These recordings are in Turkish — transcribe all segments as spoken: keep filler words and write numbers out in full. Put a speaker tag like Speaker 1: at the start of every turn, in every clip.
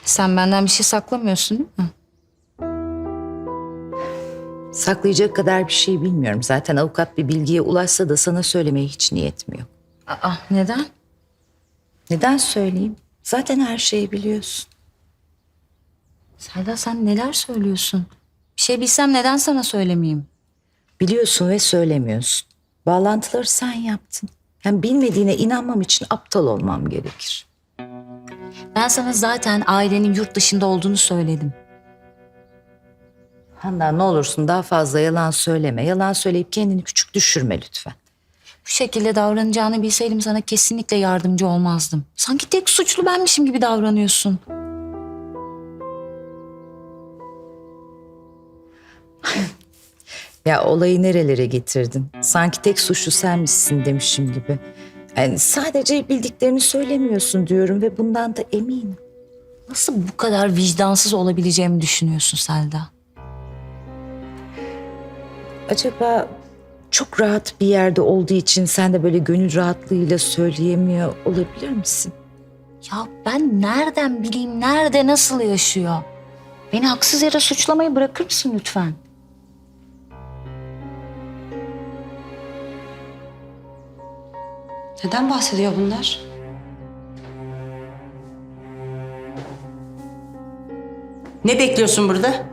Speaker 1: Sen benden bir şey saklamıyorsun değil mi?
Speaker 2: Saklayacak kadar bir şey bilmiyorum. Zaten avukat bir bilgiye ulaşsa da sana söylemeye hiç niyetim yok.
Speaker 1: Aa, neden?
Speaker 2: Neden söyleyeyim? Zaten her şeyi biliyorsun.
Speaker 1: Selda sen neler söylüyorsun? Bir şey bilsem neden sana söylemeyeyim?
Speaker 2: Biliyorsun ve söylemiyorsun. Bağlantıları sen yaptın. Hem bilmediğine inanmam için aptal olmam gerekir.
Speaker 1: Ben sana zaten ailenin yurt dışında olduğunu söyledim.
Speaker 2: Handan ne olursun daha fazla yalan söyleme. Yalan söyleyip kendini küçük düşürme lütfen.
Speaker 1: Bu şekilde davranacağını bilseydim sana kesinlikle yardımcı olmazdım. Sanki tek suçlu benmişim gibi davranıyorsun.
Speaker 2: Ya olayı nerelere getirdin? Sanki tek suçlu senmişsin demişim gibi. Yani sadece bildiklerini söylemiyorsun diyorum ve bundan da eminim.
Speaker 1: Nasıl bu kadar vicdansız olabileceğimi düşünüyorsun Selda?
Speaker 2: Acaba çok rahat bir yerde olduğu için sen de böyle gönül rahatlığıyla söyleyemiyor olabilir misin?
Speaker 1: Ya ben nereden bileyim nerede nasıl yaşıyor? Beni haksız yere suçlamayı bırakır mısın lütfen?
Speaker 3: Neden bahsediyor bunlar?
Speaker 4: Ne bekliyorsun burada?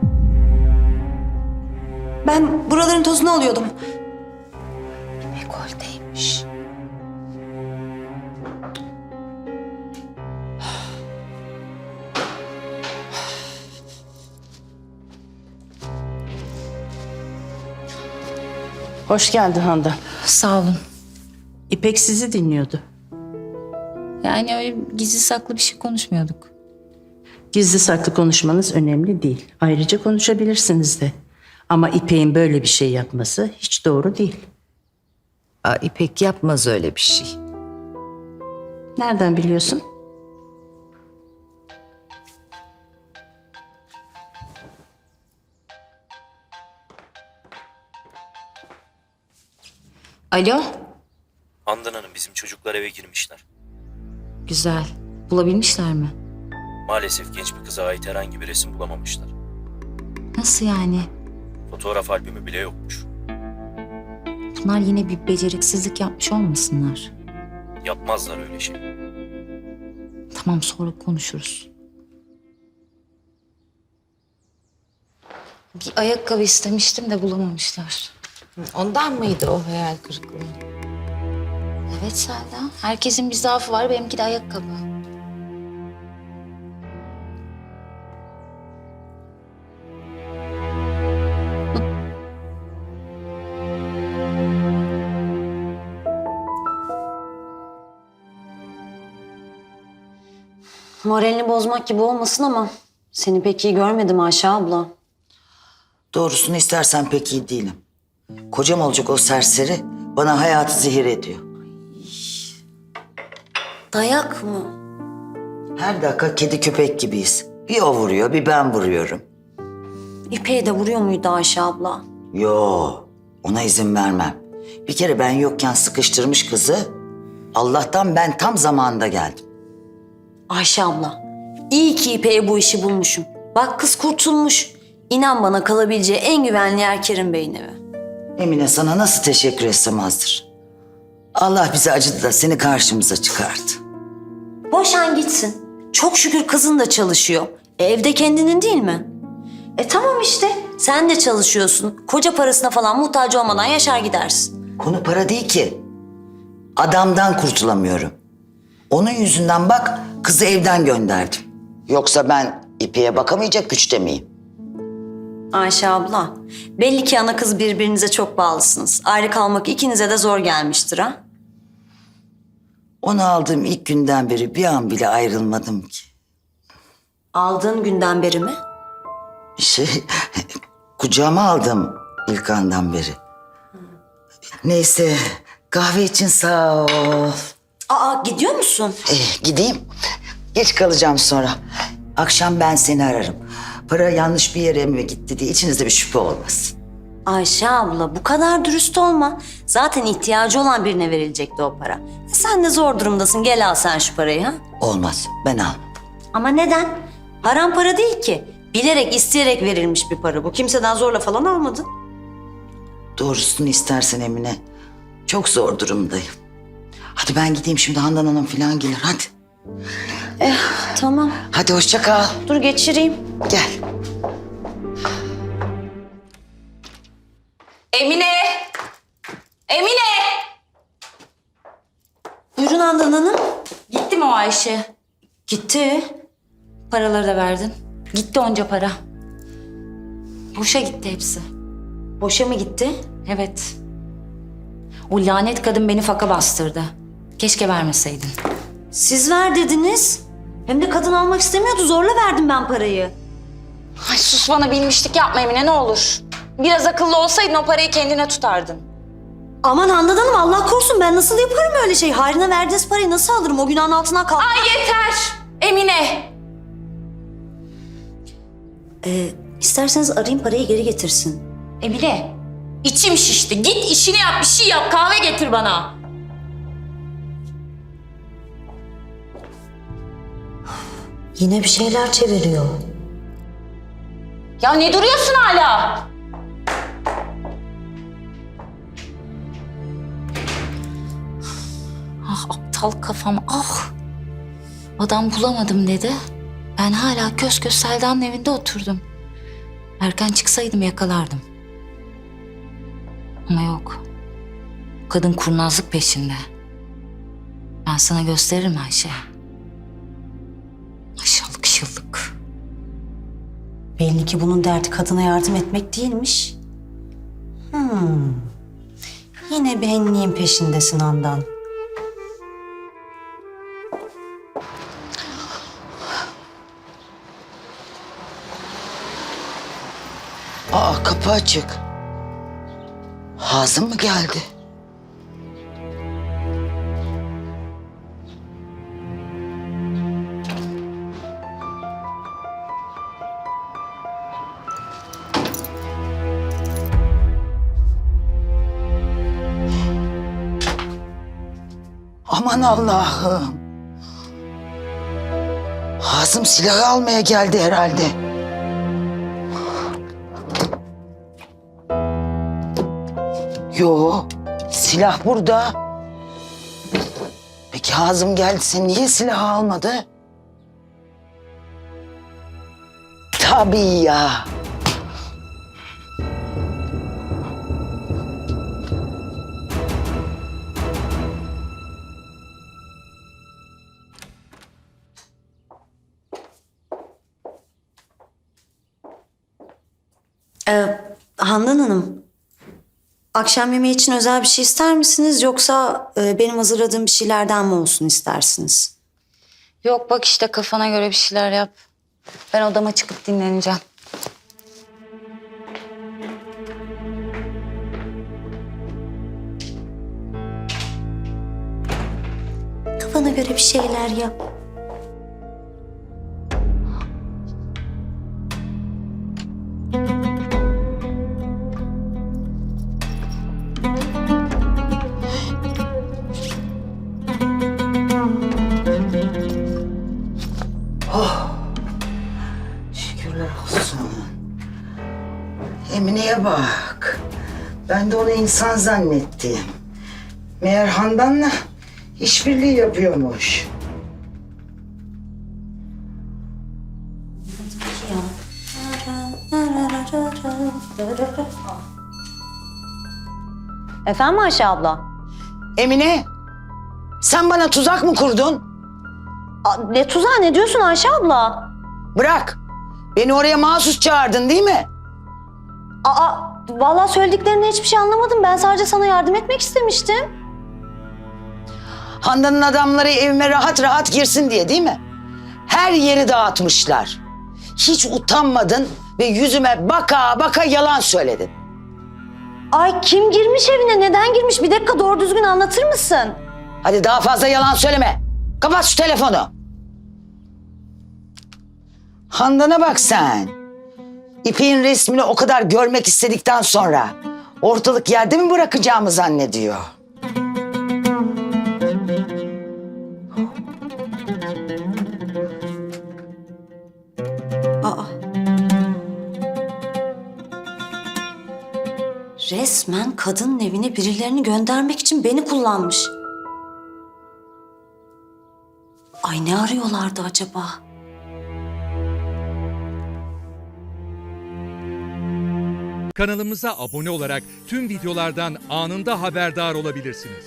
Speaker 3: Ben buraların tozunu alıyordum.
Speaker 2: Dekolteymiş.
Speaker 4: Hoş geldin Handan.
Speaker 1: Sağ olun.
Speaker 4: İpek sizi dinliyordu.
Speaker 1: Yani öyle gizli saklı bir şey konuşmuyorduk.
Speaker 4: Gizli saklı konuşmanız önemli değil. Ayrıca konuşabilirsiniz de. Ama İpek'in böyle bir şey yapması hiç doğru değil.
Speaker 2: Aa, İpek yapmaz öyle bir şey.
Speaker 4: Nereden biliyorsun?
Speaker 1: Alo?
Speaker 5: Handan Hanım bizim çocuklar eve girmişler.
Speaker 1: Güzel. Bulabilmişler mi?
Speaker 5: Maalesef genç bir kıza ait herhangi bir resim bulamamışlar.
Speaker 1: Nasıl yani?
Speaker 5: Fotoğraf albümü bile yokmuş.
Speaker 1: Bunlar yine bir beceriksizlik yapmış olmasınlar?
Speaker 5: Yapmazlar öyle şey.
Speaker 1: Tamam sonra konuşuruz. Bir ayakkabı istemiştim de bulamamışlar.
Speaker 2: Ondan mıydı o hayal kırıklığı?
Speaker 1: Evet Selda. Herkesin bir zaafı var. Benimki de ayakkabı.
Speaker 3: Moralini bozmak gibi olmasın ama seni pek iyi görmedim Ayşe abla.
Speaker 6: Doğrusunu istersen pek iyi değilim. Kocam olacak o serseri bana hayatı zehir ediyor.
Speaker 3: Dayak mı?
Speaker 6: Her dakika kedi köpek gibiyiz. Bir o vuruyor, bir ben vuruyorum.
Speaker 3: İpek'e de vuruyor muydu Ayşe abla?
Speaker 6: Yo, ona izin vermem. Bir kere ben yokken sıkıştırmış kızı. Allah'tan ben tam zamanında geldim.
Speaker 3: Ayşe abla, iyi ki İpek'e bu işi bulmuşum. Bak kız kurtulmuş. İnan bana kalabileceği en güvenli yer Kerim Bey'in evi.
Speaker 6: Emine sana nasıl teşekkür etsem azdır. Allah bize acıdı da seni karşımıza çıkardı.
Speaker 3: Boşan gitsin. Çok şükür kızın da çalışıyor. E, evde kendinin değil mi? E tamam işte. Sen de çalışıyorsun. Koca parasına falan muhtaç olmadan yaşar gidersin.
Speaker 6: Konu para değil ki. Adamdan kurtulamıyorum. Onun yüzünden bak kızı evden gönderdim. Yoksa ben İpek'e bakamayacak güçte miyim?
Speaker 3: Ayşe abla, belli ki ana kız birbirinize çok bağlısınız. Ayrı kalmak ikinize de zor gelmiştir ha?
Speaker 6: Onu aldığım ilk günden beri bir an bile ayrılmadım ki.
Speaker 3: Aldığın günden beri mi?
Speaker 6: Şey, kucağıma aldım ilk andan beri. Neyse, kahve için sağ ol.
Speaker 3: Aa, gidiyor musun?
Speaker 6: Eh, gideyim. Geç kalacağım sonra. Akşam ben seni ararım. Para yanlış bir yere mi gitti diye içinizde bir şüphe olmasın.
Speaker 3: Ayşe abla, bu kadar dürüst olma. Zaten ihtiyacı olan birine verilecekti o para. E, sen de zor durumdasın. Gel al sen şu parayı ha.
Speaker 6: Olmaz, ben almam.
Speaker 3: Ama neden? Haram para değil ki. Bilerek, isteyerek verilmiş bir para bu. Kimseden zorla falan almadın.
Speaker 6: Doğrusunu istersen Emine. Çok zor durumdayım. Hadi ben gideyim şimdi, Handan Hanım falan gelir hadi.
Speaker 3: Tamam.
Speaker 6: Hadi hoşça kal.
Speaker 3: Dur geçireyim.
Speaker 6: Gel.
Speaker 1: Emine! Emine!
Speaker 3: Buyurun Handan Hanım.
Speaker 1: Gitti mi o Ayşe?
Speaker 3: Gitti.
Speaker 1: Paraları da verdin. Gitti onca para. Boşa gitti hepsi.
Speaker 3: Boşa mı gitti?
Speaker 1: Evet. O lanet kadın beni faka bastırdı. Keşke vermeseydin.
Speaker 3: Siz ver dediniz. Hem de kadın almak istemiyordu. Zorla verdim ben parayı.
Speaker 1: Ay sus, bana bilmişlik yapma Emine, ne olur. Biraz akıllı olsaydın o parayı kendine tutardın.
Speaker 3: Aman Handan Hanım, Allah korusun, ben nasıl yaparım öyle şey? Hayrına verdiğiniz parayı nasıl alırım? O günahın altından kalk.
Speaker 1: Ay yeter! Emine!
Speaker 3: Ee, isterseniz arayayım, parayı geri getirsin.
Speaker 1: Emine! İçim şişti. Git işini yap, bir şey yap. Kahve getir bana.
Speaker 3: Yine bir şeyler çeviriyor.
Speaker 1: Ya ne duruyorsun hala? Ah aptal kafam, ah. Adam bulamadım dedi. Ben hala kös kös Selda'nın evinde oturdum. Erken çıksaydım yakalardım. Ama yok. Kadın kurnazlık peşinde. Ben sana gösteririm Ayşe. Aşağılık şıllık.
Speaker 3: Belli ki bunun derdi kadına yardım etmek değilmiş. Hmm. Yine benliğin peşindesin Handan.
Speaker 6: Aa, kapı açık. Hazım mı geldi? Aman Allah'ım. Hazım silahı almaya geldi herhalde. Yo, silah burada. Peki Hazım geldiyse niye silahı almadı? Tabii ya.
Speaker 3: Ee, Handan Hanım, akşam yemeği için özel bir şey ister misiniz? Yoksa e, benim hazırladığım bir şeylerden mi olsun istersiniz?
Speaker 1: Yok bak işte, kafana göre bir şeyler yap. Ben odama çıkıp dinleneceğim.
Speaker 3: Kafana göre bir şeyler yap.
Speaker 6: Şükürler olsun. Emine'ye bak. Ben de onu insan zannettim. Meğer Handan'la işbirliği yapıyormuş.
Speaker 3: Efendim Ayşe abla?
Speaker 6: Emine, sen bana tuzak mı kurdun?
Speaker 3: Aa, ne tuzağı, ne diyorsun Ayşe abla?
Speaker 6: Bırak. Beni oraya mahsus çağırdın değil mi?
Speaker 3: Aa, vallahi söylediklerinden hiçbir şey anlamadım. Ben sadece sana yardım etmek istemiştim.
Speaker 6: Handan'ın adamları evime rahat rahat girsin diye değil mi? Her yeri dağıtmışlar. Hiç utanmadın ve yüzüme baka baka yalan söyledin.
Speaker 3: Ay, kim girmiş evine, neden girmiş? Bir dakika, doğru düzgün anlatır mısın?
Speaker 6: Hadi daha fazla yalan söyleme. Kapat şu telefonu. Handan'a bak sen. İpek'in resmini o kadar görmek istedikten sonra ortalık yerde mi bırakacağımı zannediyor?
Speaker 3: Resmen kadının evine birilerini göndermek için beni kullanmış. Ay ne arıyorlardı acaba?
Speaker 7: Kanalımıza abone olarak tüm videolardan anında haberdar olabilirsiniz.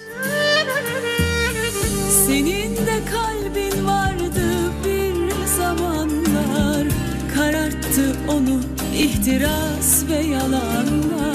Speaker 8: Senin de kalbin vardı bir zamanlar, kararttı onu ihtiras ve yalanlar.